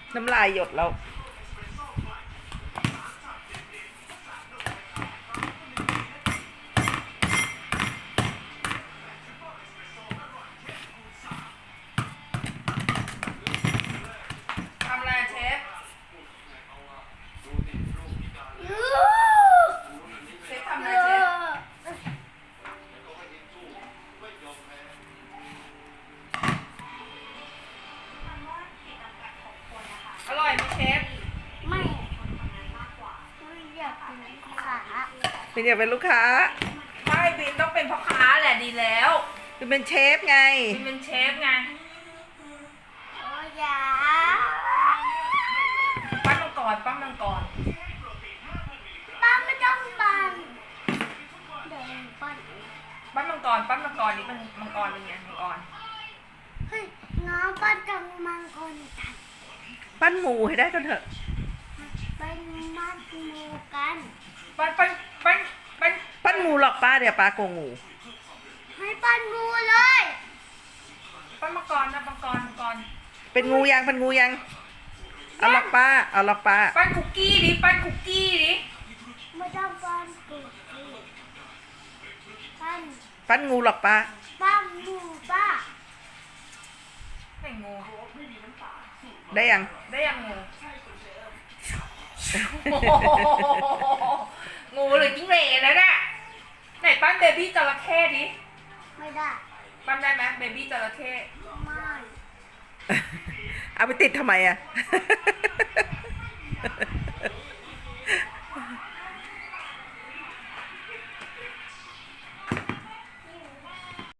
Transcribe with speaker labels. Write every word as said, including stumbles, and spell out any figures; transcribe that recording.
Speaker 1: น้ำลายหยดแล้วทำอะไรเชฟเชฟทำอะไรเชฟอร่อยไหมเชฟ
Speaker 2: ไม่ไม่อยากเป็นลูกค้า
Speaker 1: เป็นอยากเป็นลูกค้าไม่บินต้องเป็นพ่อค้าแหละดีแล้วบินเป็นเชฟไงบินเป็นเชฟไง
Speaker 2: โอ้ยา
Speaker 1: ปั้นมังกรปั้นมังกร
Speaker 2: ป้าไม่ต้องปั้นเดินปั้น
Speaker 1: ปั้นมังกรปั้นมังกรนี่เป็นมังกรเป็นไงมังกร
Speaker 2: เฮ้ยน้องปั้นจังมังกรตัด
Speaker 1: ปั้นหมูให้ได้กันเถอะ
Speaker 2: ปั้นมัดหมูกัน
Speaker 1: ปั้นปั้นปั้นปั้นปั้นหมูหรอกป้าเดี๋ยวป้าโกงงู
Speaker 2: ให้ปั้นงูเลย
Speaker 1: ปั้นมังกรนะมังกรมังกรเป็นงูยังเป็นงูยังเอาหรอกป้าเอาหรอกป้าปั้นคุกกี้ดิปั้นคุกกี้ดิ
Speaker 2: ไม่ต้องปั้นกุกกี้ปั้น
Speaker 1: ปั้นงูหรอกป้า
Speaker 2: ปั้นงูป้า
Speaker 1: ไม่งูได้ยังได้ยังงูงูหรือจิ้งเหลนแล้วเนี่ยไหนปั้นเบบี้จระเข้ดิ
Speaker 2: ไม่ได้
Speaker 1: ปั้นได้ไหมเบบี้จระเข้
Speaker 2: ไม่
Speaker 1: เอาไปติดทำไมอะ